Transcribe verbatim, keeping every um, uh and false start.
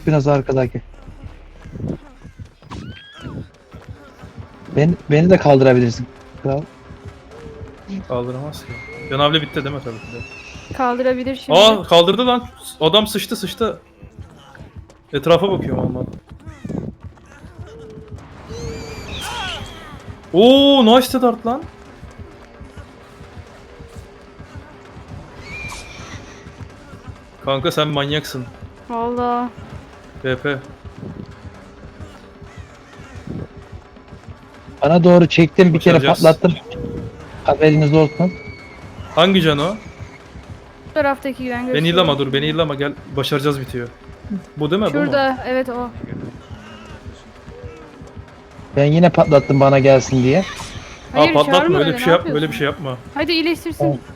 biraz arkadaki. Ben, beni de kaldırabilirsin. Kral. Kaldıramaz ki. Canavle bitti değil mi tabii ki de. Kaldırabilir şimdi. Aa kaldırdı lan. Adam sıçtı sıçtı. Etrafa bakıyorum ama. Oo nice dart lan. Kanka sen manyaksın. Valla. B P. Bana doğru çektim, bir kere Başaracağız. patlattım. Haberiniz olsun. Hangi can o? Bu taraftaki güven Beni gösteriyor. illama dur beni illama gel. Başaracağız bitiyor. Bu değil mi? Bu mu? Şurada evet o. Ben yine patlattım bana gelsin diye. Hayır, Aa patlatma çağırma öyle öyle, bir ne şey yapma yapıyorsun? böyle bir şey yapma. Hadi iyileştirsin.